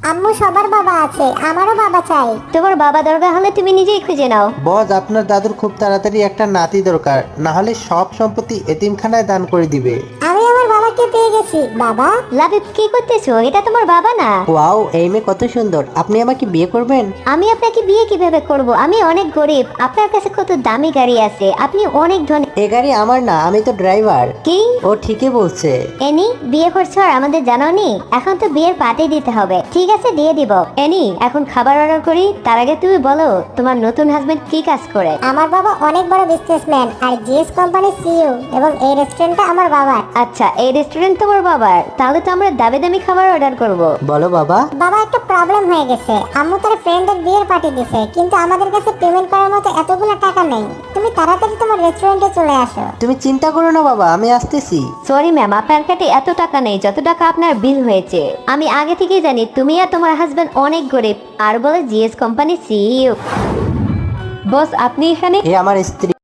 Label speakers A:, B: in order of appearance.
A: আম্মু সবার বাবা আছে, আমারও বাবা চাই।
B: তোমার বাবা দরকার হলে তুমি নিজেই খুঁজে নাও।
C: বস, আপনার দাদুর খুব তাড়াতাড়ি একটা নাতি দরকার, না হলে সব সম্পত্তি এতিমখানায় দান করে দিবে।
A: আমি আমার বাবাকে পেয়ে গেছি। বাবা,
B: লাবিব কি করতেছো? এটা তোমার বাবা না।
C: ওয়াও, এই মেয়ে কত সুন্দর, আপনি আমাকে বিয়ে করবেন?
B: আমি আপনাকে বিয়ে কিভাবে করব? আমি অনেক গরিব, আপনার কাছে কত দামি গাড়ি আছে, আপনি অনেক ধনী।
C: এ গাড়ি আমার না, আমি তো ড্রাইভার।
B: কি?
C: ও ঠিকই বলছে।
B: এনি বিয়ে করছো আর আমাদের জানাওনি? এখন তো বিয়ের পার্টি দিতে হবে। ঠিক আছে, দিয়ে দিব। এনি এখন খাবার অর্ডার করি, তার আগে তুমি বলো তোমার নতুন হাজবেন্ড কি কাজ করে?
A: আমার বাবা অনেক বড় বিজনেসম্যান আর জিএস কোম্পানির সিইও, এবং এই রেস্টুরেন্টটা আমার বাবার।
B: আচ্ছা, এই রেস্টুরেন্ট তোমার বাবার, তাহলে তো আমরা দামি দামি খাবার অর্ডার করব।
C: বলো বাবা।
A: বাবা, একটা প্রবলেম হয়ে গেছে। আম্মু তার ফ্রেন্ডের বিয়ের পার্টি দিছে, কিন্তু আমাদের কাছে পেমেন্ট করার মতো এতগুলো টাকা নেই। তুমি তাড়াতাড়ি তোমার রেস্টুরেন্টে চলে আসো।
C: তুমি চিন্তা করো না বাবা, আমি আসতেছি।
B: সরি ম্যাম, আপনার কাছে এত টাকা নেই যত টাকা আপনার বিল হয়েছে। আমি আগে থেকেই জানি তুমি আর তোমার হাজবেন্ড অনেক গরিব, আর বলে জিএস কোম্পানি সিইও। বস, আপনি এখানে?
C: এ আমার স্ত্রী।